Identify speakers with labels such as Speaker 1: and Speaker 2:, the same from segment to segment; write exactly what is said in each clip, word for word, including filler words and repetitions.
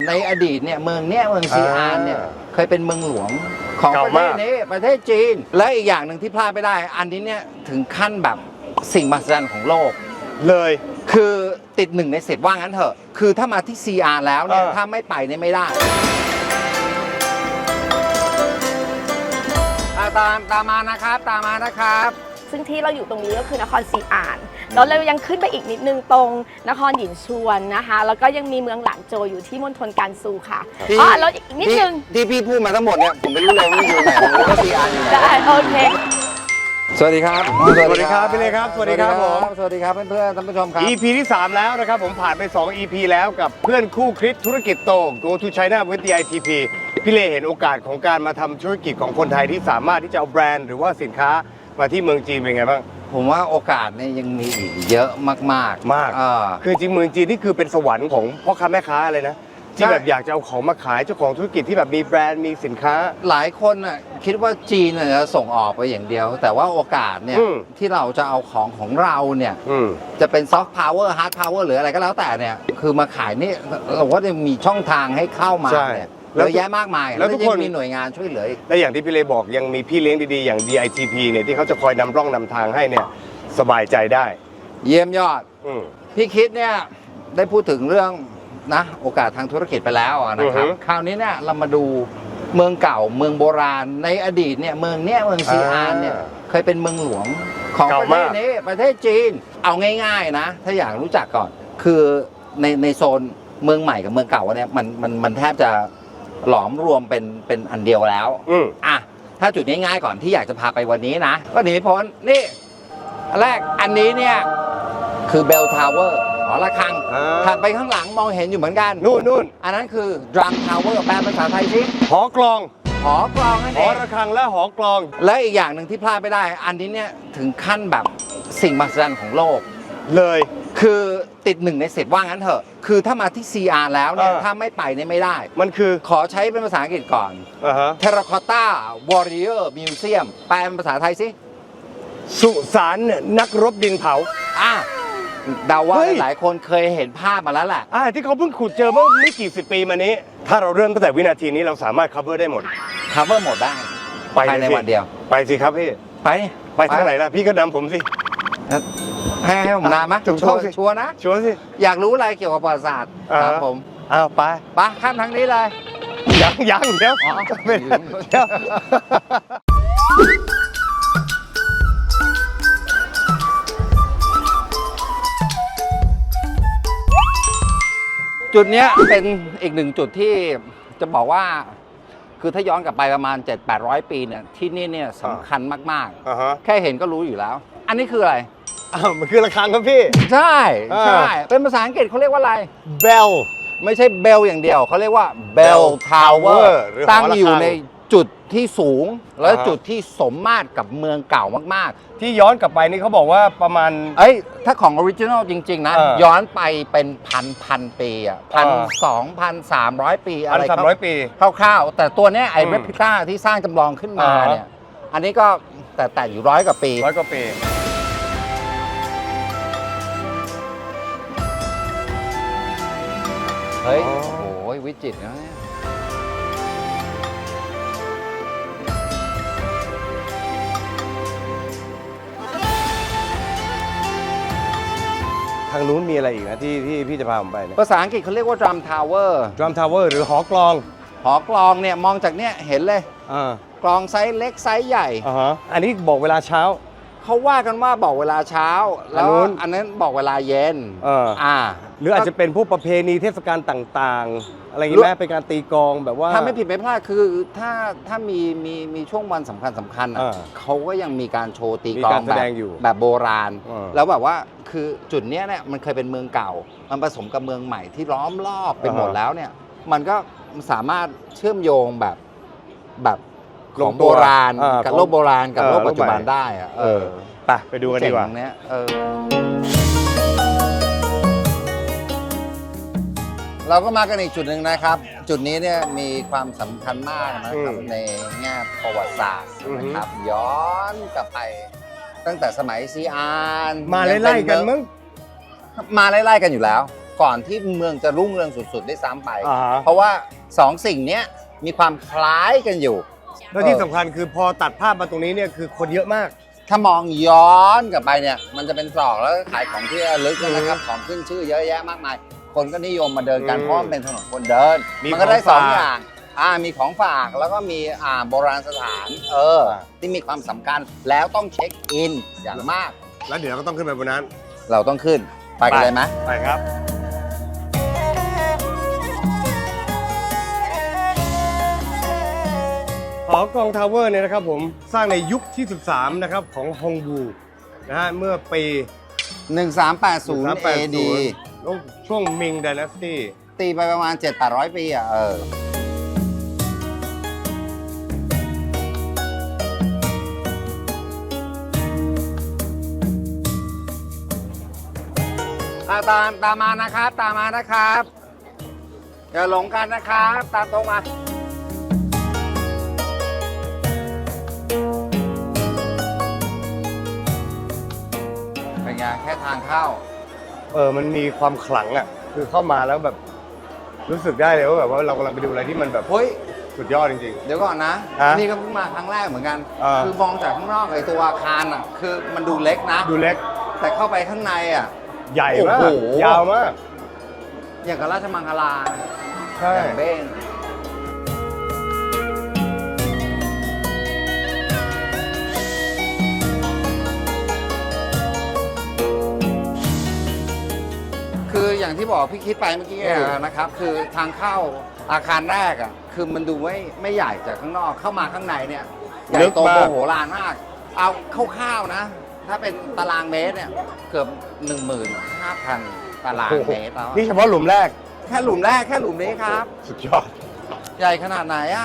Speaker 1: ในอดีตเนี่ยเมืองเนี้ยเมืองซีอานเนี่ยเคยเป็นเมืองหลวงของประเทศนี้ประเทศจีนและอีกอย่างหนึ่งที่พลาดไม่ได้อันนี้เนี่ยถึงขั้นแบบสิ่งมหัศจรรย์ของโลก
Speaker 2: เลย
Speaker 1: คือติดหนึ่งในสิบว่างั้นเถอะคือถ้ามาที่ซีอาร์แล้วเนี่ยถ้าไม่ไปเนี่ยไม่ได้ตามตามมานะครับตามมานะครับ
Speaker 3: ซึ่งที่เราอยู่ตรงนี้ก็คือนครซีอานแล้วเรายังขึ้นไปอีกนิดนึงตรงนครหยินชวนนะคะแล้วก็ยังมีเมืองหลานโจวอยู่ที่มณฑลการซูค่ะอ๋อแล้วอีกนิดนึง
Speaker 1: ที่พี่พูดมาทั้งหมดเนี่ยผมไม่รู้เลยว่าอยู่ไหนผมรู้ว่าซีอานอยู่ไหน
Speaker 3: ได้โอเค
Speaker 1: สวัสดีครับ
Speaker 2: สวัสดีครับพี่เล็กครับสวัสดีครับผม
Speaker 1: สวัสดีครับเพื่อนๆท่านผู้ชมครับ
Speaker 2: อี พี ที่สามแล้วนะครับผมผ่านไปสอง อี พี แล้วกับเพื่อนคู่คิดธุรกิจโต Go to China with the ไอ ที พี พี่เล็กเห็นโอกาสของการมาทำธุรกิจของคนไทยที่สามารถที่จะเอาแบรนด์หรือว่าสินค้ามาที่เมืองจีนเป็นไงบ้าง
Speaker 1: ผมว่าโอกาสเนี่ยยังมีอีกเยอะมากๆ
Speaker 2: มากคือจริงเมืองจีนนี่คือเป็นสวรรค์ของพ่อค้าแม่ค้าเลยนะที่แบบอยากจะเอาของมาขายเจ้าของธุรกิจที่แบบมีแบรนด์มีสินค้า
Speaker 1: หลายคนน่ะคิดว่าจีนจะส่งออกไปอย่างเดียวแต่ว่าโอกาสเนี่ยที่เราจะเอาของของเราเนี่ยจะเป็นซอฟต์พาวเวอร์ฮาร์ดพาวเวอร์หรืออะไรก็แล้วแต่เนี่ยคือมาขายนี่เราก็จะมีช่องทางให้เข้ามาเนี่ยเยอะแยะมากมายแล้วทุกคนมีหน่วยงานช่วยเหลือ
Speaker 2: และอย่างที่พี่เลบอกยังมีพี่เลี้ยงดีๆอย่าง ดี ไอ ที พี เนี่ยที่เขาจะคอยนำร่องนำทางให้เนี่ยสบายใจได้
Speaker 1: เยี่ยมยอดพี่คิดเนี่ยได้พูดถึงเรื่องนะโอกาสทางธุรกิจไปแล้วนะครับคราวนี้เนี่ยเรามาดูเมืองเก่าเมืองโบราณในอดีตเนี่ยเมืองเนี้ยเมืองซีอานเนี่ยเคยเป็นเมืองหลวงของประเทศนี้ประเทศจีนเอาง่ายๆนะถ้าอยากรู้จักก่อนคือในในโซนเมืองใหม่กับเมืองเก่าเนี่ยมันมันมันแทบจะหลอมรวมเป็นเป็นอันเดียวแล้วอ่ะถ้าจุดง่ายๆก่อนที่อยากจะพาไปวันนี้นะก็หนีไม่พ้นนี่อันแรกอันนี้เนี่ยคือเบลทาวเวอร์หอระฆังถัดไปข้างหลังมองเห็นอยู่เหมือนกัน
Speaker 2: นู่นนู่น
Speaker 1: อันนั้นคือดรัมทาวเวอร์แปลภาษาไทยสิ
Speaker 2: หอกลอง
Speaker 1: หอกลองนั่นเอง
Speaker 2: หอระฆังและหอกลอง
Speaker 1: และอีกอย่างหนึ่งที่พลาดไม่ได้อันนี้เนี่ยถึงขั้นแบบสิ่งมหัศจรรย์ของโลก
Speaker 2: เลย
Speaker 1: คือติดหนึ่งในสิบว่างั้นเถอะคือถ้ามาที่ ซี อาร์ แล้วเนี่ยถ้าไม่ไปเนี่ยไม่ได้
Speaker 2: มันคือ
Speaker 1: ขอใช้เป็นภาษาอังกฤษก่อน Terracotta Warrior Museum แปลเป็นภาษาไทยสิ
Speaker 2: สุสานนักรบดินเผา
Speaker 1: อ่ะเดาว่าหลายคนเคยเห็นภาพมาแล้วแหละ
Speaker 2: อ่าที่เขาเพิ่งขุดเจอเมื่อไม่กี่สิบปีมานี้ถ้าเราเริ่มตั้งแต่วินาทีนี้เราสามารถ cover ได้หมด
Speaker 1: cover หมดได้ภายในวันเดียว
Speaker 2: ไปสิครับพี่
Speaker 1: ไป
Speaker 2: ไปทางไหนล่ะพี่ก็นำผมสิ
Speaker 1: ให้ให้ผมนำไหมชัวร์ชัวร์นะ
Speaker 2: ชัวร์สิ
Speaker 1: อยากรู้อะไรเกี่ยวกับประวัติศาสตร์ครับผม
Speaker 2: อ้าวไป
Speaker 1: ไปข้ามทางนี้เลย
Speaker 2: ยังยังเดี๋ยวไม่เดี๋ยว
Speaker 1: จุดนี้เป็นอีกหนึ่งจุดที่จะบอกว่าคือถ้าย้อนกลับไปประมาณ เจ็ดแปดร้อย ปีเนี่ยที่นี่เนี่ยสำคัญมากๆแค่เห็นก็รู้อยู่แล้วอันนี้คืออะไร
Speaker 2: อ้าวมันคือระฆังครับพี่
Speaker 1: ใช่ใช่เป็นภาษาอังกฤษเขาเรียกว่าอะไร
Speaker 2: Bell
Speaker 1: ไม่ใช่ Bell อย่างเดียวเขาเรียกว่า Bell Tower ตั้งอยู่ในจุดที่สูงและจุดที่สมมาตรกับเมืองเก่ามาก
Speaker 2: ๆที่ย้อนกลับไปนี่เขาบอกว่าประมาณ
Speaker 1: เอ้ยถ้าของออริจินอลจริงๆนะย้อนไปเป็นพันพันปีอ่ะพันสองพันสามร้อยปีอะไร
Speaker 2: สามร้อยปี
Speaker 1: คร่าวๆแต่ตัวเนี้ยไอ้เรปลิก้าที่สร้างจำลองขึ้นมาเนี่ยอันนี้ก็แต่แต่อยู่ร้อยกว่าปี
Speaker 2: ร้อยกว่าปี
Speaker 1: เฮ้ยโอ้โหวิจิตรนะ
Speaker 2: ทางนู้นมีอะไรอีกนะที่ที่พี่จะพาผมไปเนี่ย
Speaker 1: ภาษาอังกฤษเขาเรียกว่า drum tower
Speaker 2: drum tower หรือหอกลอง
Speaker 1: หอกลองเนี่ยมองจากเนี้ยเห็นเลยกลองไซส์เล็กไซส์ใหญ่
Speaker 2: อันนี้บอกเวลาเช้า
Speaker 1: เขาว่ากันว่าบอกเวลาเช้าแล้วอันนั้นบอกเวลาเย็น
Speaker 2: อ่าหรืออาจจะเป็นพวกประเพณีเทศกาลต่างๆอะไรอย่างนี้แม้เป็นการตีกลองแบบว่า
Speaker 1: ถ้าไม่ผิดไม่พลาดคือถ้าถ้ามีมีมีช่วงวันสำคัญสำคัญอ่ะเขาก็ยังมีการโชว์ตีกลองแบบแบบโบราณแล้วแบบว่าคือจุดเนี้ยเนี่ยมันเคยเป็นเมืองเก่ามันผสมกับเมืองใหม่ที่ล้อมรอบไปหมดแล้วเนี่ยมันก็สามารถเชื่อมโยงแบบแบบของโบราณกับโลกโบราณกับโลกปัจจุบันได้อะเออ
Speaker 2: ไปไปดูกันดีกว่า
Speaker 1: เนี้ยเออเราก็มากันอีกจุดหนึ่งนะครับจุดนี้เนี่ยมีความสำคัญมากนะครับในแง่ประวัติศาสตร์นะครับย้อนกลับไปตั้งแต่สมัยซีอาน
Speaker 2: มาไล่ๆกันมั้ง
Speaker 1: มาไล่ๆกันอยู่แล้วก่อนที่เมืองจะรุ่งเรืองสุดๆได้ซ้ำไป
Speaker 2: อ่าฮะ
Speaker 1: เพราะว่าสองสิ่งเนี้ยมีความคล้ายกันอยู่
Speaker 2: แล้วที่สำคัญคือพอตัดภาพมาตรงนี้เนี่ยคือคนเยอะมาก
Speaker 1: ถ้ามองย้อนกลับไปเนี่ยมันจะเป็นตรอกแล้วก็ขายของที่ระลึกนะครับของขึ้นชื่อเยอะแยะมากมาย คนก็นิยมมาเดินกัน
Speaker 2: อืม
Speaker 1: เพราะมันเป็นถนนคนเดิน
Speaker 2: มี
Speaker 1: มันก็ได้
Speaker 2: ของ
Speaker 1: สอง
Speaker 2: ฝาก
Speaker 1: อย่างอ่ามีของฝากแล้วก็มีอ่าโบราณสถานเออ
Speaker 2: อ่า
Speaker 1: ที่มีความสำคัญแล้วต้องเช็คอินอย่างมาก
Speaker 2: แล้วเดี๋ยวเราก็ต้องขึ้นไปบนนั้น
Speaker 1: เราต้องขึ้นไปกันเลยไหม
Speaker 2: ไปครับ หอกองทาวเวอร์เนี่ยนะครับผมสร้างในยุคที่ สิบสาม นะครับของฮงบูนะฮะเมื่อปี
Speaker 1: หนึ่งสามแปดศูนย์ เอ ดี
Speaker 2: ช่วงมิงไดนาสตี้
Speaker 1: ตีไปประมาณ เจ็ดแปดร้อย ปีอ่ะเอออ่ะตามตามมานะครับ ตามมานะครับ อย่าหลงกันนะครับ ตามตรงมา เป็นไงแค่ทางเข้า
Speaker 2: เออมันมีความขลังอ่ะคือเข้ามาแล้วแบบรู้สึกได้เลยว่าแบบว่าเรากำลังไปดูอะไรที่มันแบบ
Speaker 1: เฮ้ย
Speaker 2: สุดยอดจริง
Speaker 1: เดี๋ยวก่อนนะ
Speaker 2: ฮะ
Speaker 1: นี่ก็เพิ่งมาครั้งแรกเหมือนกัน
Speaker 2: อ่า
Speaker 1: คือมองจากข้างนอกไอ้ตัวอาคารอ่ะ คือมันดูเล็กนะ
Speaker 2: ๆ ดูเล็ก
Speaker 1: แต่เข้าไปข้างในอ่ะ
Speaker 2: ใหญ่มาก
Speaker 1: โอ้โห
Speaker 2: ยาวมาก
Speaker 1: อย่างกับราชมังคลา
Speaker 2: ใช่
Speaker 1: อย่างเบ้งคืออย่างที่บอกพี่คิดไปเมื่อกี้อะนะครับ คือทางเข้าอาคารแรกอ่ะ คือมันดูไม่ไม่ใหญ่จากข้างนอกเข้ามาข้างในเนี่ยใหญ่โตโมโหลานมาก เอาคร่าวๆนะ ถ้าเป็นตารางเมตรเนี่ยเกือบ หนึ่งหมื่นห้าพัน ตารางเมตรแล้ว
Speaker 2: นี่เฉพาะหลุมแรก
Speaker 1: แค่หลุมแรกแค่หลุมนี้ครับ
Speaker 2: สุดยอด
Speaker 1: ใหญ่ขนาดไหนอ่ะ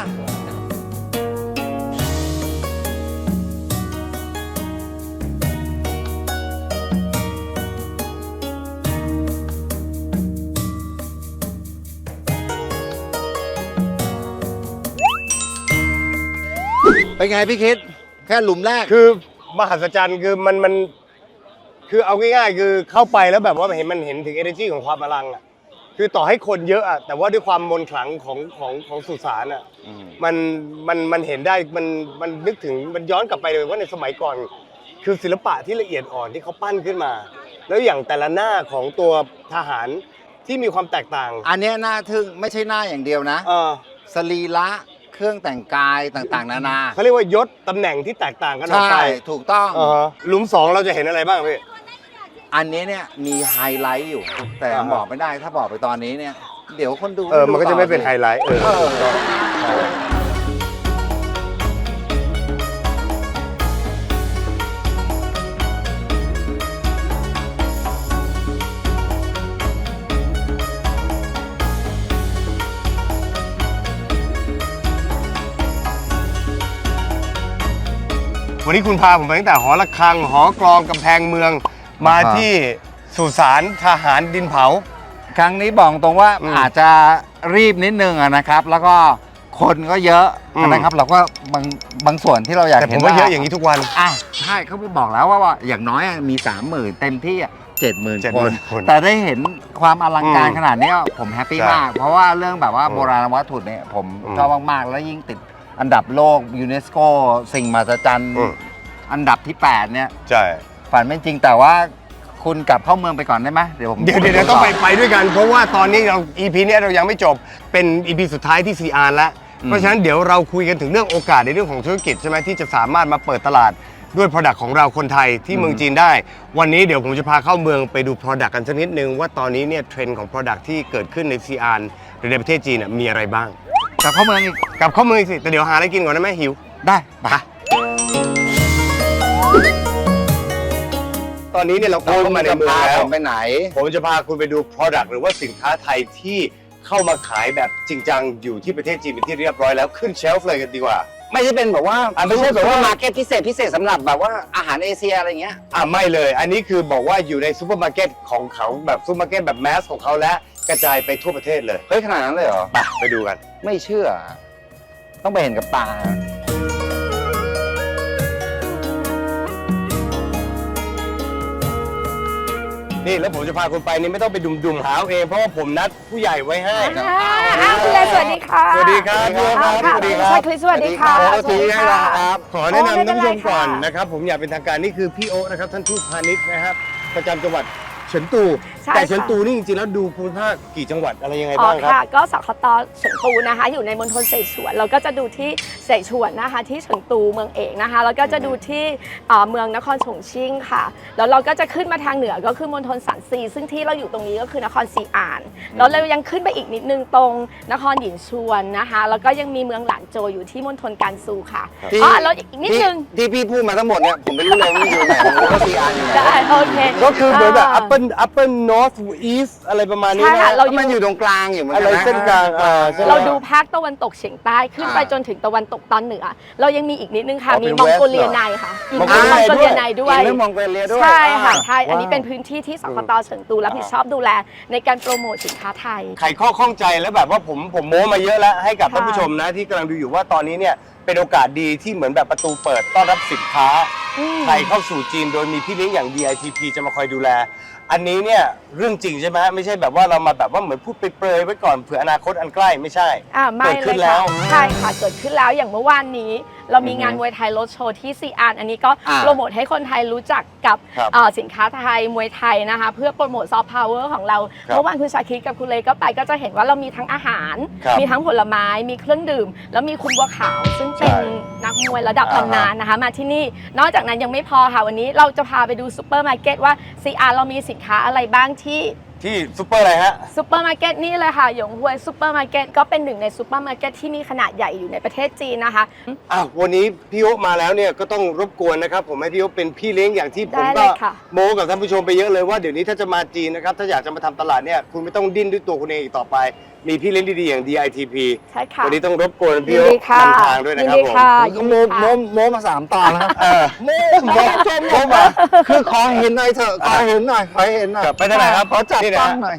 Speaker 1: เป็นไงพี่คิด แค่หลุมแรก
Speaker 2: คือมหัศจรรย์คือมันมันคือเอาง่ายๆ คือเข้าไปแล้วแบบว่าเห็นมันเห็นถึง energy ของความอลังอ่ะคือต่อให้คนเยอะอ่ะแต่ว่าด้วยความมนต์ขลังของของของสุสานอ่ะ
Speaker 1: อืม
Speaker 2: มันมันมันเห็นได้มันมันนึกถึงมันย้อนกลับไปเลยว่าในสมัยก่อน คือศิลปะที่ละเอียดอ่อนที่เขาปั้นขึ้นมา แล้วอย่างแต่ละหน้าของตัวทหารที่มีความแตกต่าง
Speaker 1: อันเนี้ยน่าทึ่งไม่ใช่หน้าอย่างเดียวนะ
Speaker 2: เออ
Speaker 1: สรีระเครื่องแต่งกายต่างๆ นานา
Speaker 2: เขาเรียกว่ายศตำแหน่งที่แตกต่างกันออก
Speaker 1: ใช่
Speaker 2: ไป
Speaker 1: ถูกต้อง
Speaker 2: อ่าฮะหลุมสองเราจะเห็นอะไรบ้างพี่
Speaker 1: อันนี้เนี่ยมีไฮไลท์อยู่ แต่
Speaker 2: อ่าฮะ
Speaker 1: บอกไม่ได้ถ้าบอกไปตอนนี้เนี่ย เดี๋ยวคนดู
Speaker 2: เออมันก็จะไม่เป็น
Speaker 1: ต่อ
Speaker 2: ไฮไลท์เออ
Speaker 1: เออ
Speaker 2: ใช่ วันนี้คุณพาผมไปตั้งแต่หอระฆัง หอกลองกำแพงเมือง มาที่สุสานทหารดินเผา
Speaker 1: ครั้งนี้บอกตรงว่า
Speaker 2: อืม
Speaker 1: อาจจะรีบนิดนึงอะนะครับ แล้วก็คนก็เยอะ
Speaker 2: อืม
Speaker 1: นะครับ เราก็บางบางส่วนที่เราอยาก
Speaker 2: แต่ผ
Speaker 1: เห็น
Speaker 2: มว่าเยอะอย่างนี้ทุกวัน
Speaker 1: อ่ะใช่เขาบอกแล้วว่าว่าอย่างน้อยอะมีสามหมื่นเต็มที่เจ็ดหมื่น
Speaker 2: เจ็ด
Speaker 1: ค
Speaker 2: หมื่
Speaker 1: น
Speaker 2: นคน
Speaker 1: แต่ได้เห็นความอลังการ
Speaker 2: อืม
Speaker 1: ขนาดนี้ผมแฮปปี้
Speaker 2: ใช่
Speaker 1: มาก เพราะว่าเรื่องแบบว่า
Speaker 2: อืม
Speaker 1: โบราณวัตถุเนี่ยผม
Speaker 2: อืม
Speaker 1: ชอบมาก ๆ แล้วยิ่งติดอันดับโลกยูเนสโกสิ่งมหัศจรรย์
Speaker 2: อืม
Speaker 1: อันดับที่แปดเนี่ย
Speaker 2: ใช่
Speaker 1: ฝันไม่จริงแต่ว่าคุณกลับเข้าเมืองไปก่อนได้ไหมเดี๋ยวผม
Speaker 2: เดี๋ยวเดี๋ยวเดี๋ยวต้องไปไปด้วยกัน เพราะว่าตอนนี้เรา อี พี เนี้ยเรายังไม่จบเป็น อี พี สุดท้ายที่ ซี อาร์ แล้ว เพราะฉะนั้นเดี๋ยวเราคุยกันถึงเรื่องโอกาสในเรื่องของธุรกิจใช่ไหมที่จะสามารถมาเปิดตลาดด้วย Product ของเราคนไทยที่เมืองจีนได้ วันนี้เดี๋ยวผมจะพาเข้าเมืองไปดู Product กันสักนิดนึงว่าตอนนี้เนี่ยเทรนด์ของ Product ที่เกิดขึ้นใน ซี อาร์ หรือในประเทศจีนน่ะมีอะไรบ้าง
Speaker 1: กลับเข้าเมืองอีก
Speaker 2: กลับเข้าเมืองอีกสิแต่เดี๋ยวหาอะไรกินก่อนนะแม่หิว
Speaker 1: ได้ไป
Speaker 2: ตอนนี้เนี่ยเราเข้ามาในเมืองแล้ว
Speaker 1: ผมไปไหน
Speaker 2: ผมจะพาคุณไปดู Product หรือว่าสินค้าไทยที่เข้ามาขายแบบจริงจังอยู่ที่ประเทศจีนเป็นที่เรียบร้อยแล้วขึ้นเชลฟ์เลยกันดีกว่า
Speaker 1: ไม่ใช่เป็นแบบว่า
Speaker 2: อ่ะไม่ใช่แบบว่า
Speaker 1: มาร์เก็ตพิเศษพิเศษสำหรับแบบว่าอาหารเอเชียอะไรเงี้ย
Speaker 2: อ่ะไม่เลย อันนี้คือบอกว่าอยู่ในซูเปอร์มาร์เก็ตของเขาแบบซูเปอร์มาร์เก็ตแบบแมสของเขาและกระจายไปทั่วประเทศเลย
Speaker 1: เฮ้ยขนาดนั้นเลยเหรอ
Speaker 2: ไปไปดูกัน
Speaker 1: ไม่เชื่อ ต้องไปเห็นกับตา
Speaker 2: นนี่แล้วผมจะพาคุณไปนี่ไม่ต้องไปดุ่มๆหาเอาเองเพราะว่าผมนัดผู้ใหญ่ไว้ให้
Speaker 3: อ้าวคุณเลสวัสดีค่ะ
Speaker 2: สวัสดีครับพี่โอ๊คครับ
Speaker 3: ค่ะ
Speaker 2: สวัสดีค
Speaker 3: ใช่
Speaker 2: รับ
Speaker 3: คริสสวัสดีค่ะ
Speaker 2: โอ้ทีให้เรา
Speaker 3: ค
Speaker 2: ค
Speaker 3: รั
Speaker 2: รับ บขอแนะนำท่านผู้ชมก่อน
Speaker 3: โอ้ไม่เป็นไรค่ะ
Speaker 2: นะครับผมอยากเป็นทางการนี่คือพี่โอ๊คนะครับท่านทูตพาณิชย์นะครับประจำจังหวัดเฉินตู
Speaker 3: ใช่
Speaker 2: แต่
Speaker 3: ค่ะ
Speaker 2: เฉินตูนี่จริงๆแล้วดูภูมิภาคกี่จังหวัดอะไรยังไง
Speaker 3: อ๋อ
Speaker 2: บ้างครับ
Speaker 3: ค่ะก็สคตเฉิงตูนะคะ อยู่ในมณฑลเสฉวนเราก็จะดูที่เสฉวนนะคะที่เฉิงตูเมืองเอกนะคะแล้วก็จะดูที่เอ่อเมืองนครฉงชิ่งค่ะแล้วเราก็จะขึ้นมาทางเหนือก็คือมณฑลสันซีซึ่งที่เราอยู่ตรงนี้ก็คือนครซีอานแล้วเรายังขึ้นไปอีกนิดนึงตรงนครหยินชวนนะคะแล้วก็ยังมีเมืองหลานโจวอยู่ที่มณฑลการซูค่ะ
Speaker 1: ที่
Speaker 3: อ๋อแล้วอีกนิดนึง
Speaker 1: ที่พี่พูดมาทั้งหมดเนี่ยผมไม่รู้เลยว่ามันอยู่ไหนผมรู้ว่าซีอาร์อยู่ไหน
Speaker 3: ได้โอเค
Speaker 2: ก็คือเหมือนแบบ upper upper north east อะไรประมาณนี้
Speaker 3: ใช่ค่ะ
Speaker 2: นะ
Speaker 3: เรา
Speaker 1: มันอยู่ตรงกลางอยู่เหมือน
Speaker 2: อะ
Speaker 1: กั
Speaker 2: ไร
Speaker 1: นนะ
Speaker 2: เส้นกลางอ่าใช่ไหม
Speaker 3: เราดูภาคตะวันตกเฉียงใต้ขึ้นไป
Speaker 1: อ่า
Speaker 3: จนถึงตะวันตกตอนเหนือ เรายังมีอีกนิดนึงค่ะ
Speaker 2: อ๋อ
Speaker 3: มี
Speaker 2: เป็น
Speaker 3: มองโกเลีย
Speaker 2: West
Speaker 3: ในค่ะอีก
Speaker 2: มอง
Speaker 3: ม
Speaker 2: โกเลีย
Speaker 3: องโกเลียในด้วย
Speaker 1: อีกเรื่องมองโกเลียด้วย
Speaker 3: ใช่ค่ะ
Speaker 1: อ่า
Speaker 3: ใช่อันนี้
Speaker 2: ว้าว
Speaker 3: เป็นพื้นที่ที่สคตเฉิงตูรับผิดชอบดูแลในการโปรโมทสินค้าไทย
Speaker 2: ไขข้อข้องใจแล้วแบบว่าผมผมโม้มาเยอะแล้วให้กับ
Speaker 3: ค่ะ
Speaker 2: ท่านผู้ชมนะที่กำลังดูอยู่ว่าตอนนี้เนี่ยเป็นโอกาสดีที่เหมือนแบบประตูเปิดต้อนรับสินค้า
Speaker 3: อืม
Speaker 2: ไทยเข้าสู่จีนโดยมีพี่เลี้ยงอย่าง ดี ไอ ที พี จะมาคอยดูแล อันนี้เนี่ยเรื่องจริงใช่ไหมฮะไม่ใช่แบบว่าเรามาแบบว่าเหมือนพูดเปรยๆไว้ก่อนเผื่ออนาคตอันใกล้ไม่ใช่
Speaker 3: อ่าไม่
Speaker 2: เกิด
Speaker 3: เล
Speaker 2: ขึ้น
Speaker 3: ย
Speaker 2: แล้
Speaker 3: ค่ะ
Speaker 2: ว
Speaker 3: ใช่ค่ะเกิดขึ้นแล้วอย่างเมื่อวานนี้ เรามีงานมวยไทยรถโชว์ที่ซีอานอันนี้ก็
Speaker 1: อ่า
Speaker 3: โปรโมทให้คนไทยรู้จักกับ
Speaker 2: ครับ
Speaker 3: เอ่อสินค้าไทยมวยไทยนะคะ เพื่อโปรโมทซอฟต์พาวเวอร์ของเรา
Speaker 2: ครับ
Speaker 3: เมื่อวานคุณชาคิดกับคุณเลก็ไปก็จะเห็นว่าเรามีทั้งอาหาร
Speaker 2: ครับ
Speaker 3: มีทั้งผลไม้มีเครื่องดื่ม แล้วมีคุณบัวขาว ซึ่งเป็น
Speaker 2: ใช่
Speaker 3: นักมวยระดับ
Speaker 2: อ่าฮะ
Speaker 3: ตำนานนะคะ มาที่นี่นอกจากนั้นยังไม่พอค่ะวันนี้เราจะพาไปดูซูเปอร์มาร์เก็ตว่าซีอาร์เรามีสินค้าอะไรบ้างที่
Speaker 2: ที่ซูเปอร์อะไรฮะ
Speaker 3: ซูเปอร์มาร์เก็ตนี่เลยค่ะหยงฮวยซูเปอร์มาร์เก็ตก็เป็นหนึ่งในซูเปอร์มาร์เก็ตที่มีขนาดใหญ่อยู่ในประเทศจีนนะคะ
Speaker 2: อ่ะวันนี้พี่โอ๊คมาแล้วเนี่ยก็ต้องรบกวนนะครับผมให้พี่โอ๊คเป็นพี่เลี้ยงอย่างที่ผม
Speaker 3: ได้เล
Speaker 2: ก็
Speaker 3: ยค่ะ
Speaker 2: โม้กับท่านผู้ชมไปเยอะเลยว่าเดี๋ยวนี้ถ้าจะมาจีนนะครับถ้าอยากจะมาทำตลาดเนี่ยคุณไม่ต้องดิ้นด้วยตัวคุณเองอีกต่อไป มีพี่เลี้ยงดีๆอย่าง ดี ไอ ที พี
Speaker 3: ใช่ค่ะ
Speaker 2: วันนี้ต้องรบกวน
Speaker 3: ยิ
Speaker 2: พี่
Speaker 3: น
Speaker 2: โอ๊
Speaker 3: ดี
Speaker 2: ค
Speaker 3: ค่ะ
Speaker 2: นำทางด้วยนะครับ
Speaker 3: ยินดี
Speaker 2: ผม
Speaker 3: ค่ะ
Speaker 1: ก็โมโมโมมาสามตอนแล้วครับ
Speaker 2: เออ
Speaker 1: โมโมโมมาคือขอเห็นหน่อยเถอะขอเห็นหน่อยขอเห็นหน่อย
Speaker 2: ครับไปทางไหนครับ
Speaker 1: ขอจับ
Speaker 2: นี่นะ
Speaker 1: ต้องหน่อย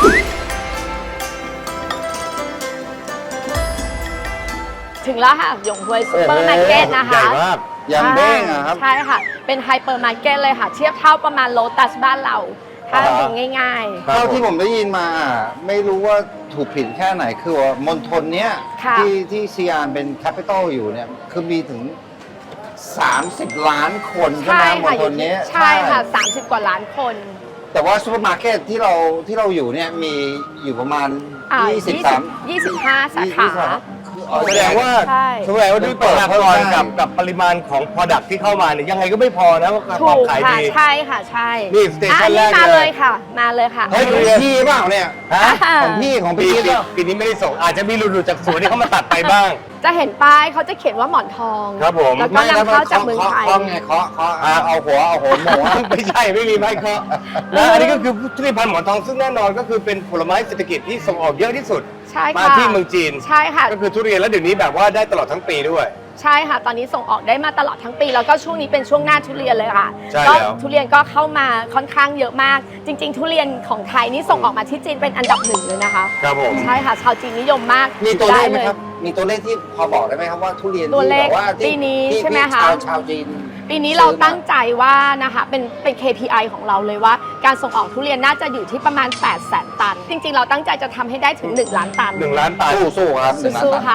Speaker 3: ถึงแล้วค่ะหยงฮวยซูเปอร์มาร์เก็ตนะคะ
Speaker 2: ใหญ่มาก
Speaker 1: ยังเด้งอะครับ
Speaker 3: ใช่ค่ะ เป็นไฮเปอร์มาร์เก็ตเลยค่ะ เทียบเท่าประมาณโลตัสบ้านเรา ถ้า
Speaker 2: อ่าฮะ
Speaker 3: เป็นง่าย
Speaker 2: ครับ
Speaker 1: เท่าที่ผมได้ยินมาไม่รู้ว่าถูกผิดแค่ไหนคือว่ามณฑลเนี้ย
Speaker 3: ค่ะ
Speaker 1: ที่ที่ซีอานเป็นแคปิตอลอยู่เนี่ยคือมีถึง สามสิบ ล้านคน
Speaker 3: ๆ
Speaker 1: ใช่ไหม
Speaker 3: ใช่
Speaker 1: ม
Speaker 3: ค่ะ
Speaker 1: ณฑลเนี้ย
Speaker 3: ใช่ค่ะ สามสิบ กว่าล้านคน
Speaker 1: แต่ว่าซูเปอร์มาร์เก็ตที่เราที่เราอยู่เนี่ยมีอยู่ประมาณ
Speaker 3: อ่า
Speaker 1: ยี่สิบสาม
Speaker 3: ยี่สิบห้าสาขา
Speaker 1: คืออ๋อ
Speaker 2: แสดงว่า
Speaker 3: ใช่
Speaker 2: แสดงว่าด้วยประชากรกับกับปริมาณของ Product ที่เข้ามาเนี่ยยังไงก็ไม่พอนะว่า
Speaker 3: ถู
Speaker 2: ความ
Speaker 3: ก
Speaker 2: ขาย
Speaker 3: ค่ะ
Speaker 2: ดี
Speaker 3: ใช่ค่ะใช่
Speaker 2: นี่สเตชัน
Speaker 3: อ่ะ
Speaker 2: แรก
Speaker 3: มา
Speaker 2: เล
Speaker 3: เลย ยค่ะ มาเลยค่ะ
Speaker 1: เฮ้ยของพี่เปล่าเนี่ย
Speaker 2: ฮะ
Speaker 1: ของพี่ของ
Speaker 2: ปี
Speaker 1: พี่
Speaker 2: นี้
Speaker 1: เปล่า
Speaker 2: ปีนี้ไม่ได้ส่งอาจจะมีหลุดๆจากสวนที่เขามาตัดไปบ้าง
Speaker 3: จะเห็นป้ายเขาจะเขียนว่าหมอนทอง
Speaker 2: ครับผม
Speaker 3: แล้วก็นำเข้าจากเมืองไทย
Speaker 1: เคาะไงเคาะเคาะอ่าเอาหัวเอาหัวหมูอะ
Speaker 2: ไม่ใช่ไม่มีไม้เคาะนะอันนี้ก็คือทุเรียนพันธุ์หมอนทองซึ่งแน่นอนก็คือเป็นผลไม้เศรษฐกิจที่ส่งออกเยอะที่สุด
Speaker 3: ใช่
Speaker 2: มา
Speaker 3: ค่ะ
Speaker 2: ที่เมืองจีน
Speaker 3: ใช่ค่ะ
Speaker 2: ก็คือทุเรียนแล้วเดี๋ยวนี้แบบว่าได้ตลอดทั้งปีด้วย
Speaker 3: ใช่ค่ะ ตอนนี้ส่งออกได้มาตลอดทั้งปี แล้วก็ช่วงนี้เป็นช่วงหน้าทุเรียนเลยค่ะ
Speaker 2: ใช่
Speaker 3: ก็
Speaker 2: แล้ว
Speaker 3: ทุเรียนก็เข้ามาค่อนข้างเยอะมาก จริง ๆ ทุเรียนของไทยนี่ส่งออกมาที่จีนเป็นอันดับหนึ่งเลยนะคะ
Speaker 2: ครับผม
Speaker 3: ใช่ค่ะ ชาวจีนนิยมมาก
Speaker 1: มีตัวเลขไหม
Speaker 3: ด้ย
Speaker 1: ครับ มีตัวเลขที่พอบอกได้ไหมครับว่าทุเรียน
Speaker 3: ตัวเลข
Speaker 1: ที่แบบว่าที่
Speaker 3: ปีนี้
Speaker 1: ที่
Speaker 3: ใช่ไหม
Speaker 1: ที่
Speaker 3: คะ
Speaker 1: ชาวชาวจีน
Speaker 3: ปีนี้เราตั้งใจว่านะคะเป็นเป็น เค พี ไอ ของเราเลยว่าการส่งออกทุเรียนน่าจะอยู่ที่ประมาณ แปดแสน ตัน จริง ๆ เราตั้งใจจะทำให้ได้ถึง หนึ่ง ล้านตัน
Speaker 2: หนึ่งล้านตัน
Speaker 1: สู้สู้ครับหนึ่งล้าน
Speaker 3: สู้
Speaker 1: ตัน
Speaker 3: ๆค่ะ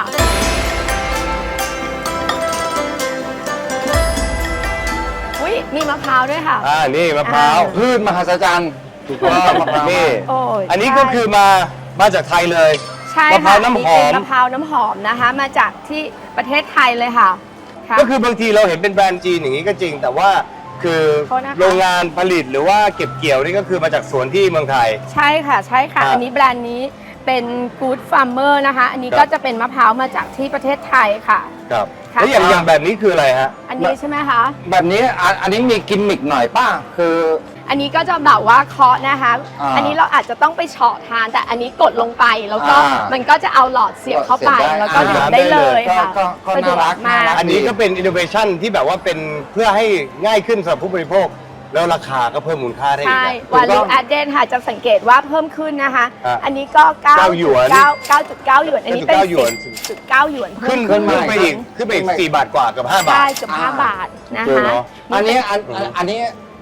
Speaker 3: อุ้ยมีมะพร้าวด้วยค่ะ
Speaker 2: อ่านี่มะพร้าว
Speaker 3: อ่า
Speaker 1: พืชมหัศจรรย์ถูกต้องมะพร้าว
Speaker 2: นี่
Speaker 3: โอ้ย
Speaker 2: อันนี้
Speaker 3: ใช่
Speaker 2: ก็คือมามาจากไทยเลย
Speaker 3: ใช่
Speaker 2: มะพร้า
Speaker 3: ค่ะ
Speaker 2: วน้ำหอม
Speaker 3: นี่เป็นมะพร้าวน้ำหอมนะคะ มาจากที่ประเทศไทยเลยค่ะค่ะ
Speaker 2: ก็คือบางทีเราเห็นเป็นแบรนด์จีนอย่างนี้ก็จริง แต่ว่าคือ
Speaker 3: โทษนะคะ
Speaker 2: โรงงานผลิตหรือว่าเก็บเกี่ยวนี่ก็คือมาจากสวนที่เมืองไทย
Speaker 3: ใช่ค่ะใช่ค่ะ
Speaker 2: ครับ
Speaker 3: อันนี้แบรนด์นี้เป็น Good Farmer นะคะ อันนี้
Speaker 2: ครับ
Speaker 3: ก็จะเป็นมะพร้าวมาจากที่ประเทศไทยค่ะ
Speaker 2: ครับ
Speaker 3: ค่ะ
Speaker 2: แล้วอย่างอย่างแบบนี้คืออะไรฮะ
Speaker 3: อันนี้ใช่ไหมคะ
Speaker 1: แบบนี้อ่ะอันนี้มีกิมมิกหน่อยป้าคือ
Speaker 3: อันนี้ก็จะแบบว่าเคาะนะคะ
Speaker 1: อ่า
Speaker 3: อันนี้เราอาจจะต้องไปเฉาะทาน แต่อันนี้กดลงไปแล้วก็
Speaker 1: อ่ามั
Speaker 3: มันก็จะเอาหลอดเสียบเข้าไป
Speaker 1: เสียบได้
Speaker 3: แล้วก็
Speaker 1: อ่า
Speaker 3: ดื่มได้เลยค่ะ
Speaker 1: ก็ก็
Speaker 3: สะดวก
Speaker 1: น่ารัก
Speaker 3: มาก
Speaker 1: น่ารัก
Speaker 2: อันนี้ก็เป็นอินโนเวชันที่แบบว่าเป็นเพื่อให้ง่ายขึ้นสำหรับผู้บริโภค แล้วราคาก็เพิ่มมูลค่าได้อีก
Speaker 3: ใช่
Speaker 2: นะ
Speaker 3: วาลูแอดเดนค่ะจะสังเกตว่าเพิ่มขึ้นนะคะ
Speaker 2: อ่ะ
Speaker 3: อันนี้ก็เก้า
Speaker 2: เก้าหยวน
Speaker 3: เก้าเก้าจุดเก้าหยวน อันนี้เป็น
Speaker 2: เก้าหยวน
Speaker 3: สิบจุดเก้าหยวน
Speaker 2: ขึ้น
Speaker 3: เพิ่
Speaker 2: ขึ้น
Speaker 3: ม
Speaker 2: ไปอีกขึ้นไปอีกสี่บาทกว่าเกับห้าบา
Speaker 3: ใช่
Speaker 2: ท
Speaker 3: เกือบห้า
Speaker 1: อ่า
Speaker 3: บาทนะ
Speaker 2: เออ
Speaker 3: คะ
Speaker 2: เนอะ
Speaker 1: อันนี้อันอันอันนี้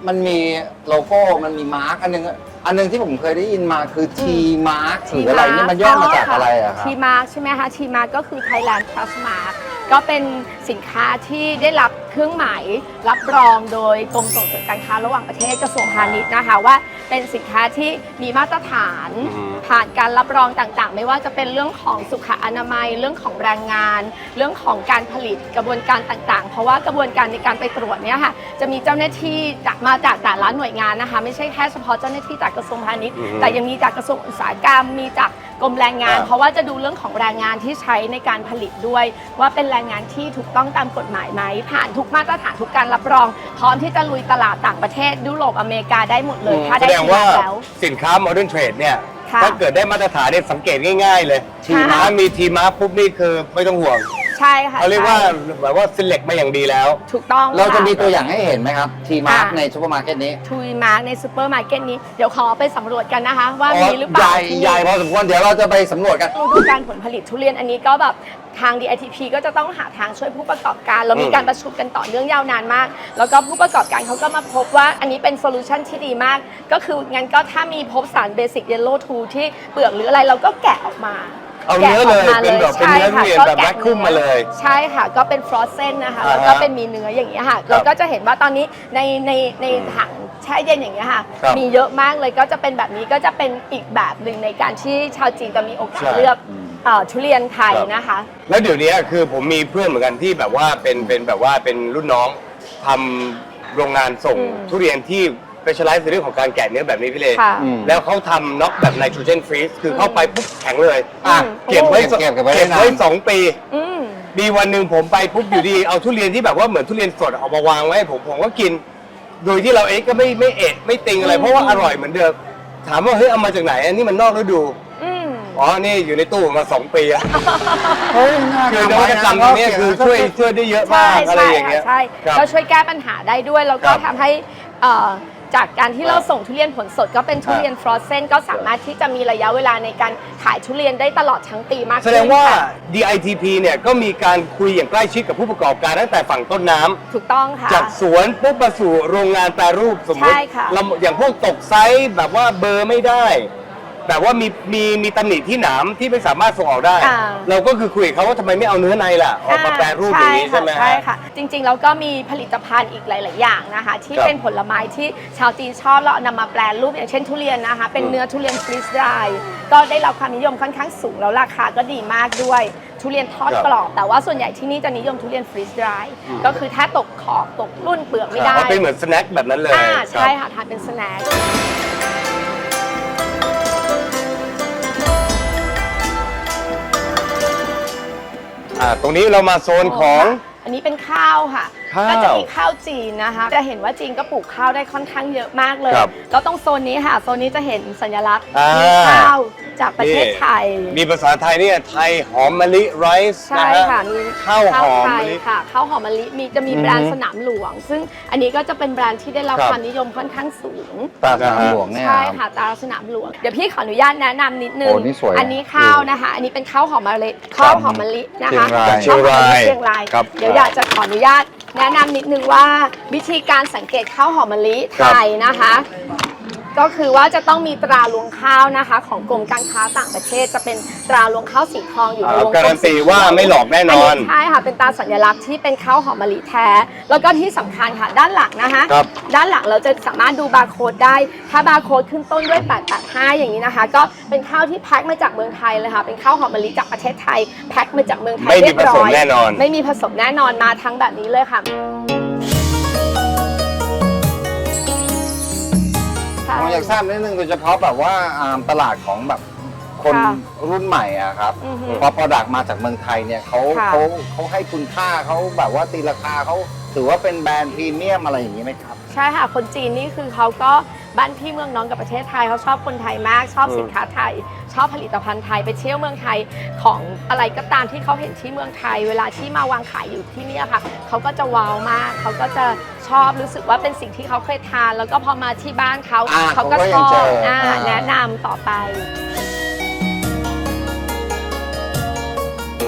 Speaker 1: มันมีโลโก้มันมีมาร์กอันนึงอันนึงที่ผมเคยได้ยินมาคือ T mark หรืออะไรนี่มันย่อมาจากอะไรอะครับ
Speaker 3: ทีมาร์กใช่ไหมคะทีมาร์กก็คือ Thailand Plus Mark ก็เป็นสินค้าที่ได้รับเครื่องหมายรับรองโดยกรมส่งเสริมการค้าระหว่างประเทศกระทรวงพาณิชย์นะคะว่าเป็นสินค้าที่มีมาตรฐานผ่านการรับรองต่างๆ ไม่ว่าจะเป็นเรื่องของสุขอนามัยเรื่องของแรงงาน เรื่องของการผลิตกระบวนการต่างๆ เพราะว่ากระบวนการในการไปตรวจเนี่ยค่ะจะมีเจ้าหน้าที่จากมาจากแต่ละหน่วยงานนะคะไม่ใช่แค่เฉพาะเจ้าหน้าที่จากกระทรวงพาณิชย์แต่ยังมีจากกระทรวงอุตสาหกรรมมีจากกรมแรงงาน เพราะว่าจะดูเรื่องของแรงงานที่ใช้ในการผลิตด้วย ว่าเป็นแรงงานที่ถูกต้องตามกฎหมายไหมผ่านทุกมาตรฐานทุกการรับรองพร้อมที่จะลุยตลาดต่างประเทศยุโรปอเมริกาได้หมดเลยถ้า
Speaker 2: แส
Speaker 3: ได้
Speaker 2: ดง
Speaker 3: ที
Speaker 2: ว่า
Speaker 3: มาแล้ว
Speaker 2: สินค้า Modern Trade เนี่ย
Speaker 3: ค่ะ
Speaker 2: ถ้าเกิดได้มาตรฐานเนี่ยสังเกตง่ายๆเลย
Speaker 3: ทีมา
Speaker 2: ถ้ามีทีมาปุ๊บนี่คือไม่ต้องห่วง
Speaker 3: ใช่ค่ะ
Speaker 2: เขาเรียกว่า
Speaker 3: ใช่
Speaker 2: แบบว่า select มาอย่างดีแล้ว
Speaker 3: ถูกต้อง
Speaker 1: เราจะ
Speaker 3: ค่
Speaker 1: มีตัวอย่างให้เห็นไหมครับ T mark
Speaker 3: อ่ะ
Speaker 1: ในซูเปอร์มาร์เก็ตนี้
Speaker 3: ทูยมาร์กในซูเปอร์มาร์เก็ตนี้เดี๋ยวขอไปสำรวจกันนะคะ ว่ามีหรือเป
Speaker 1: ให
Speaker 3: ล่า
Speaker 1: ญ่
Speaker 3: ที่
Speaker 1: ใหญ่พอสมควรเดี๋ยวเราจะไปสำรวจกัน
Speaker 3: ฤดูการผลผลิตทุเรียนอันนี้ก็แบบทาง ดี ไอ ที พี ก็จะต้องหาทางช่วยผู้ประกอบการเรามีการประชุมกันต่อเนื่องยาวนานมาก แล้วก็ผู้ประกอบการเขาก็มาพบว่าอันนี้เป็นโซลูชันที่ดีมาก ก็คืองั้นก็ถ้ามีพบสารเบสิกเยลโล่ทูที่เปลือกหรืออะไรเราก็แกะออกมา
Speaker 2: เอาเนื้อเลยเป็นแบบเป็นเนื้อทุเรียนแบบแวคคุมมาเลย
Speaker 3: ใช่ค่ะก็เป็นฟรอสเซนนะคะ
Speaker 2: อ่าฮะ
Speaker 3: แล้วก็เป็นมีเนื้ออย่างเงี้ยค่ะเราก็จะเห็นว่าตอนนี้ในในในถังแช่เย็นอย่างเงี้ยค่ะ
Speaker 2: ครับ
Speaker 3: มีเยอะมากเลยก็จะเป็นแบบนี้ก็จะเป็นอีกแบบหนึ่งในการที่ชาวจีนจะมีโอกาส
Speaker 2: ใช่
Speaker 3: เลือกเอ่อทุเรียนไทย
Speaker 2: ครับ
Speaker 3: นะคะ
Speaker 2: แล้วเดี๋ยวนี้คือผมมีเพื่อนเหมือนกันที่แบบว่าเป็นเป็นแบบว่าเป็นรุ่นน้องทำโรงงานส่ง
Speaker 3: อืม
Speaker 2: ทุเรียนที่เป็นชไลซ์ในเรื่องของการแกะเนื้อแบบนี้พี่เล
Speaker 3: ค่ะ
Speaker 1: อืม
Speaker 2: แล้วเขาทำน็อกแบบไนโตรเจนฟรีซคือเข้าไปปุ๊บแข็งเลย
Speaker 3: อืม
Speaker 2: เก็บไว้
Speaker 1: เก็บเก็บไว้
Speaker 2: เก็บ
Speaker 1: ได้
Speaker 2: ไว้
Speaker 1: นาน
Speaker 2: สองปี
Speaker 3: อืม
Speaker 2: มีวันหนึ่งผมไปปุ๊บอยู่ดี เอาทุเรียนที่แบบว่าเหมือนทุเรียนสดเอามาวางไว้ให้ผมผมก็กิน โดยที่เราเองก็ไม่ไม่เอะไม่ติงอะไร
Speaker 3: อืม
Speaker 2: เพราะว่าอร่อยเหมือนเดิมถามว่าเฮ้ยเอามาจากไหนอันนี้มันนอกฤดู
Speaker 3: อืม
Speaker 2: อ๋อนี่อยู่ในตู้มาสองปีอะ
Speaker 1: เฮ้ยน่า
Speaker 2: คือน
Speaker 1: ทำ
Speaker 2: วั
Speaker 1: ไว้
Speaker 2: ต
Speaker 1: นะ
Speaker 2: กรรมตรงเนี้ยคือช่วยช่วยได้เยอะ
Speaker 3: ใช่
Speaker 2: มากอะไร
Speaker 3: ใช่
Speaker 2: อย่างเงี้ย
Speaker 3: ใช่
Speaker 2: ครับ
Speaker 3: ก็ช่วยแก้ปัญหาได้ด้วย แล้วก็
Speaker 2: ครับ
Speaker 3: ทำให้เอ่อจากการที่
Speaker 2: ครับ
Speaker 3: เราส่งทุเรียนผลสดก็เป็นทุเรียนฟรอสเซนก็สามารถที่จะมีระยะเวลาในการขายทุเรียนได้ตลอดทั้งปีมาก
Speaker 2: แส
Speaker 3: ขึ้น
Speaker 2: ดงว่า
Speaker 3: ค่ะ
Speaker 2: ดี ไอ ที พี เนี่ยก็มีการคุยอย่างใกล้ชิดกับผู้ประกอบการตั้งแต่ฝั่งต้นน้ำ
Speaker 3: ถูกต้องค่ะ
Speaker 2: จากสวนปุ๊บมาสู่โรงงานแปรรูปสมมติ
Speaker 3: ใช่ค่ะ
Speaker 2: เราอย่างพวกตกไซส์แบบว่าเบอร์ไม่ได้ แบบว่ามีมีมีตำหนิที่หนามที่ไม่สามารถส่งออกได้
Speaker 3: อ่า
Speaker 2: เราก็คือคุยกับเขาว่าทำไมไม่เอาเนื้อในล่ะออกมาแปรรูปอย่างนี้ใช่ไหมฮะ
Speaker 3: ใช่ค่ะ จริงๆแล้วก็มีผลิตภัณฑ์อีกหลาย ๆ อย่างนะคะ ที่
Speaker 2: ครับ
Speaker 3: เป็นผลไม้ที่ชาวจีนชอบแล้วเอานำมาแปรรูปอย่างเช่นทุเรียนนะคะ เป็น
Speaker 2: อืม
Speaker 3: เนื้อทุเรียนฟรีสไดร์ก็ได้รับความนิยมค่อนข้างสูงแล้วราคาก็ดีมากด้วย ทุเรียนทอด
Speaker 2: ครับ
Speaker 3: กรอบ แต่ว่าส่วนใหญ่ที่นี่จะนิยมทุเรียนฟรีสไดร์
Speaker 2: อืม
Speaker 3: ก็คือถ้าตกขอบตกรุ่นเปลือกไม่ได้
Speaker 2: มันเป็นเหมือนสแน็คแบบนั้นเลย
Speaker 3: อ่า
Speaker 2: ครับ
Speaker 3: ใช่ค่ะทานเป็นสแน็ค
Speaker 2: อ่าตรงนี้เรามาโซนของ
Speaker 3: อันนี้เป็นข้าวค่ะ
Speaker 2: ข้าว
Speaker 3: ก็จะมีข้าวจีนนะคะ จะเห็นว่าจีนก็ปลูกข้าวได้ค่อนข้างเยอะมากเลย
Speaker 2: ครับ
Speaker 3: แล้วตรงโซนนี้ค่ะ โซนนี้จะเห็นสัญลักษณ์
Speaker 2: อ่ามี
Speaker 3: มีข้าวจากประเทศไทย
Speaker 2: มีภาษาไทยเนี่ยไทยหอมมะลิไรซ์
Speaker 3: ใช่
Speaker 2: นะฮะ
Speaker 3: ค่ะ มี
Speaker 2: ข้าวหอม
Speaker 3: ไท
Speaker 2: มะ
Speaker 3: ย
Speaker 2: ลิ
Speaker 3: ค่ะ ข้าวหอมมะลิ มีจะมีแบรน
Speaker 1: อือ
Speaker 3: ด์
Speaker 1: ฮึ
Speaker 3: สนามหลวง ซึ่งอันนี้ก็จะเป็นแบรนด์ที่ได้รับ
Speaker 2: ครับ
Speaker 3: ความนิยมค่อนข้างสูง
Speaker 1: ตาสนามหลวงเนี่ย
Speaker 3: ใช่
Speaker 1: ครับ
Speaker 3: ค่ะตาสนามหลวง เดี๋ยวพี่ขออนุญาตแนะนำนิดนึง
Speaker 1: โอ้นี่สวยนะ
Speaker 3: อันนี้ข้าวนะคะ อันนี้เป็นข้าวหอมมะลิข้าวหอมมะลินะคะ
Speaker 1: เชียงราย
Speaker 3: ข้วหอมมะลิเชียงราย
Speaker 2: ครับ
Speaker 3: เดี๋ยวอยากจะขออนุญาตแนะนำนิดนึงว่าวิธีการสังเกตข้าวหอมมะลิไทยนะคะ ก็คือว่าจะต้องมีตราลวงข้าวนะคะ ของกรมการค้าต่างประเทศจะเป็นตราลวงข้าวสีทองอยู่ในวงกลม
Speaker 2: การันตีว่าไม่หลอกแน่นอน
Speaker 3: ใช่ค่ะเป็นตราสัญลักษณ์ที่เป็นข้าวหอมมะลิแท้ แล้วก็ที่สำคัญค่ะด้านหลังนะคะ
Speaker 2: ครับ
Speaker 3: ด้านหลังเราจะสามารถดูบาร์โค้ดได้ ถ้าบาร์โค้ดขึ้นต้นด้วยแปดแปดห้าอย่างนี้นะคะ ก็เป็นข้าวที่แพ็คมาจากเมืองไทยเลยค่ะเป็นข้าวหอมมะลิจากประเทศไทยแพ็คมาจากเมืองไทย
Speaker 2: ไม่มี
Speaker 3: เรียบร้อย
Speaker 2: ผสมแน่นอน
Speaker 3: ไม่มีผสมแน่นอนมาทั้งแบบนี้เลยค่ะ
Speaker 1: ผมอยากทราบนิดนึงโดยเฉพาะแบบว่าอ่าตลาดของแบบคน
Speaker 3: ค่ะ
Speaker 1: รุ่นใหม่อะครับ
Speaker 3: อือฮึ
Speaker 1: พอ product มาจากเมืองไทยเนี่ยเขา
Speaker 3: ค่ะ
Speaker 1: เขาเขาให้คุณค่าเขาแบบว่าตีราคาเขาถือว่าเป็นแบรนด์พรีเมียมอะไรอย่างนี้ไหมครับ
Speaker 3: ใช่ค่ะ คนจีนนี่คือเขาก็บ้านพี่เมืองน้องกับประเทศไทยเขาชอบคนไทยมาก ชอบ
Speaker 2: อืม
Speaker 3: สินค้าไทย ชอบผลิตภัณฑ์ไทยไปเที่ยวเมืองไทยของอะไรก็ตามที่เขาเห็นที่เมืองไทย เวลาที่มาวางขายอยู่ที่เนี่ยค่ะเขาก็จะว้าวมากเขาก็จะชอบรู้สึกว่าเป็นสิ่งที่เขาเคยทาน แล้วก็พอมาที่บ้านเขา
Speaker 1: อ่า
Speaker 3: เขาก็
Speaker 1: เขาก็
Speaker 3: ช
Speaker 1: ยัง
Speaker 3: อ
Speaker 1: เจ
Speaker 3: บ
Speaker 1: ออ่
Speaker 3: า
Speaker 1: อ่า
Speaker 3: แนะนำต่อไป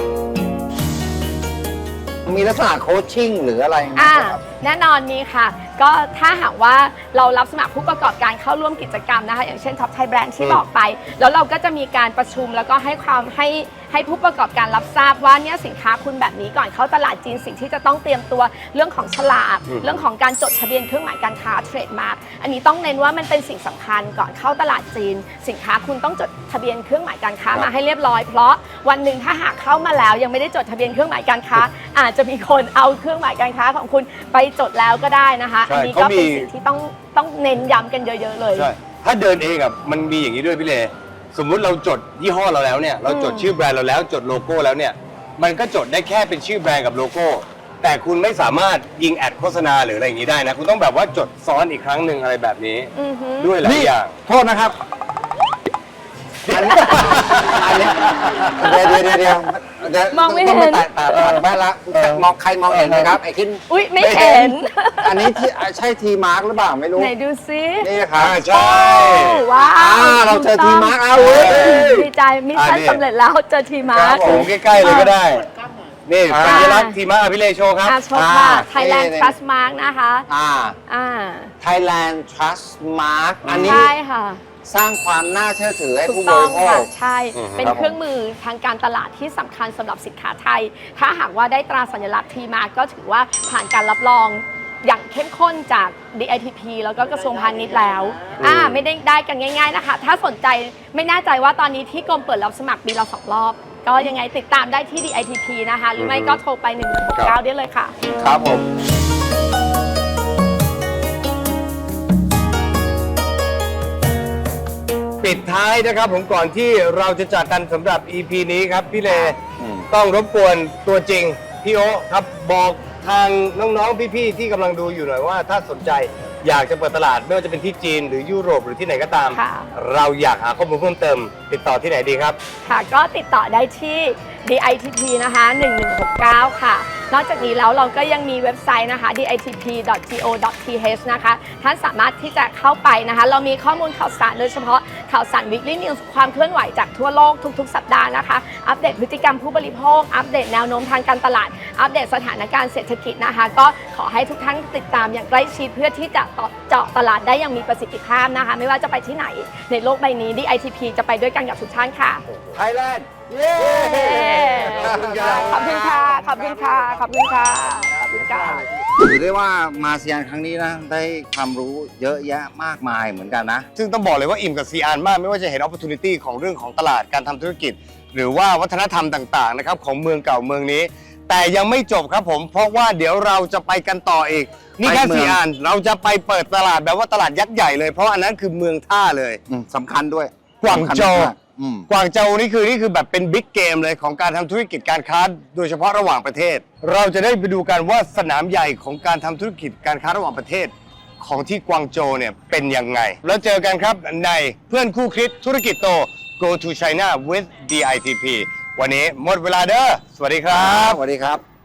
Speaker 1: มีลักษณะโคชชิ่งหรืออะไรไหม
Speaker 3: อ่า
Speaker 1: ครับ
Speaker 3: แน่นอนมีค่ะก็ถ้าหากว่าเรารับสมัครผู้ประกอบการเข้าร่วมกิจกรรมนะคะอย่างเช่น Top Thai Brand ที่บอกไป แล้วเราก็จะมีการประชุมแล้วก็ให้ความให้ให้ผู้ประกอบการรับทราบว่าเนี่ยสินค้าคุณแบบนี้ก่อนเข้าตลาดจีนสิ่งที่จะต้องเตรียมตัวเรื่องของฉลากเรื่องของการจดทะเบียนเครื่องหมายการค้าเทรดมาร์กอันนี้ต้องเน้นว่ามันเป็นสิ่งสำคัญก่อนเข้าตลาดจีนสินค้าคุณต้องจดทะเบียนเครื่องหมายการค้ามาให้เรียบร้อยเพราะวันหนึ่งถ้าหากเข้ามาแล้วยังไม่ได้จดทะเบียนเครื่องหมายการค้า อาจจะมีคนเอาเครื่องหมายการค้าของคุณไปจดแล้วก็ได้นะคะอันนี้ก็เป็นสิ่งที่ต้องต้องเน้นย้ำกันเยอะๆเลย
Speaker 2: ใช่ถ้าเดินเองอ่ะมันมีอย่างนี้ด้วยพี่เลสมมุติเราจดยี่ห้อเราแล้วเนี่ยเราจดชื่อแบรนด์เราแล้วจดโลโก้แล้วเนี่ยมันก็จดได้แค่เป็นชื่อแบรนด์กับโลโก้แต่คุณไม่สามารถยิงแอดโฆษณาหรืออะไรอย่างนี้ได้นะคุณต้องแบบว่าจดซ้อนอีกครั้งหนึ่งอะไรแบบนี้
Speaker 3: อือฮึ
Speaker 2: ด้วยหลายอย่าง
Speaker 1: โทษนะครับอันนี้อันนี้เดี๋ยวเดี๋ยวเดี๋ยวเดี๋ยวเดี๋ยว
Speaker 3: มองไม่เห็น
Speaker 1: ต้ตัดตัดตัดไปละมองใครมองเห็นไหมครับไอ้ขึ้น
Speaker 3: อุ๊ยไม่เห็น
Speaker 1: อันนี้ที่ใช่ทีมาร์กหรือเปล่าไม่รู้
Speaker 3: ไหนดูซิ
Speaker 1: นี่ครับ
Speaker 2: อ่าใช่
Speaker 3: ว้าว
Speaker 1: อ่าเราเจอทีมาร์กเอาเว้ย
Speaker 3: ดีใจมิชชั่น
Speaker 2: อ่านี่
Speaker 3: สำเร็จแล้วเจอทีมา
Speaker 2: ค
Speaker 3: ร์
Speaker 2: รับ
Speaker 3: ค
Speaker 2: ผมใกล้ๆเลยก็ได้ นี่
Speaker 1: อ่า
Speaker 2: สัญลักษณ์ทีมาพี่เลโชว์ครับ
Speaker 3: อาชมค่ะ
Speaker 1: อ่า
Speaker 3: Thailand
Speaker 1: นี่
Speaker 3: Trust Mark นะคะ
Speaker 1: อ่า
Speaker 3: อ่า
Speaker 1: Thailand Trust Mark อันนี้
Speaker 3: ใช่ค่ะ
Speaker 1: สร้างความน่าเชื่อถือให้
Speaker 3: ถูก
Speaker 1: ผู้บ
Speaker 3: ต้อง
Speaker 1: ริโภ
Speaker 3: ค่ะ
Speaker 1: ค
Speaker 3: ใช่
Speaker 2: อือฮึ
Speaker 3: เป็น
Speaker 1: ครับผม
Speaker 3: เครื่องมือทางการตลาดที่สำคัญสำหรับสินค้าไทย ถ้าหากว่าได้ตราสัญลักษณ์ทีมาก็ถือว่าผ่านการรับรองอย่างเข้มข้นจาก ดี ไอ ที พี แล้วก็กระทรวงพาณิชย์แล้วอ่าไม่ได้ได้กันง่ายๆนะคะ ถ้าสนใจไม่แน่ใจว่าตอนนี้ที่กรมเปิดรับสมัครปีละสองรอบ ก็ยังไงติดตามได้ที่ ดี ไอ ที พี นะคะ หรือไม่ก็โทรไปหนึ่งหนึ่งหกเก้าได้เลยค่ะ
Speaker 1: ครับผม
Speaker 2: ปิดท้ายนะครับผมก่อนที่เราจะจากกันสำหรับ อี พี นี้ครับพี่เล
Speaker 1: อืม
Speaker 2: ต้องรบกวนตัวจริงพี่โอครับบอกทางน้องๆพี่ๆที่กำลังดูอยู่หน่อยว่าถ้าสนใจอยากจะเปิดตลาดไม่ว่าจะเป็นที่จีนหรือยุโรปหรือที่ไหนก็ตาม
Speaker 3: ค่ะ
Speaker 2: เราอยากหาข้อมูลเพิ่มเติม ติดต่อที่ไหนดีครับ
Speaker 3: ค่ะก็ติดต่อได้ที่ ดี ไอ ที พี นะคะหนึ่งหนึ่งหกเก้าค่ะ นอกจากนี้แล้วเราก็ยังมีเว็บไซต์นะคะ ดี ไอ ที พี ดอท โก ดอท ที เอช นะคะ ท่านสามารถที่จะเข้าไปนะคะ เรามีข้อมูลข่าวสารโดยเฉพาะข่าวสาร Weekly News ความเคลื่อนไหวจากทั่วโลกทุกๆ สัปดาห์นะคะ อัปเดตพฤติกรรมผู้บริโภค อัปเดตแนวโน้มทางการตลาด อัปเดตสถานการณ์เศรษฐกิจนะคะ ก็ขอให้ทุกท่านติดตามอย่างใกล้ชิดเพื่อที่จะเจาะตลาดได้อย่างมีประสิทธิภาพนะคะ ไม่ว่าจะไปที่ไหนในโลกใบนี้ ดี ไอ ที พี จะไปด้วยกันกับทุกท่านค่ะ
Speaker 1: Thailand เย้
Speaker 3: ขอบคุณค่ะ ขอบคุณค่ะ ขอบคุณค่ะ ขอบคุณค่ะ ขอบคุณค่ะ
Speaker 1: ถือได้ว่ามาเซียนครั้งนี้นะ ได้ความรู้เยอะแยะมากมายเหมือนกันนะ
Speaker 2: ซึ่งต้องบอกเลยว่าอิ่มกับซีอานมากไม่ว่าจะเห็น opportunity ของเรื่องของตลาดการทำธุรกิจ หรือว่าวัฒนธรรมต่างๆนะครับของเมืองเก่าเมืองนี้ แต่ยังไม่จบครับผม เพราะว่าเดี๋ยวเราจะไปกันต่ออีก นี่แค่
Speaker 1: ไปเมือง
Speaker 2: ซีอานเราจะไปเปิดตลาดแบบว่าตลาดยักษ์ใหญ่เลย เพราะอันนั้นคือเมืองท่าเลย
Speaker 1: อืมสำคัญด้วย
Speaker 2: กวางโจว
Speaker 1: สำคัญมากอืม
Speaker 2: กวางโจวนี่คือนี่คือแบบเป็นบิ๊กเกมเลยของการทำธุรกิจการค้าโดยเฉพาะระหว่างประเทศ เราจะได้ไปดูกันว่าสนามใหญ่ของการทำธุรกิจการค้าระหว่างประเทศ ของที่กวางโจวเนี่ยเป็นยังไง แล้วเจอกันครับในเพื่อนคู่คิดธุรกิจโต Go to China with ดี ไอ ที พี วันนี้หมดเวลาเด้อสวัสดีครับ
Speaker 1: สวัสดีครับ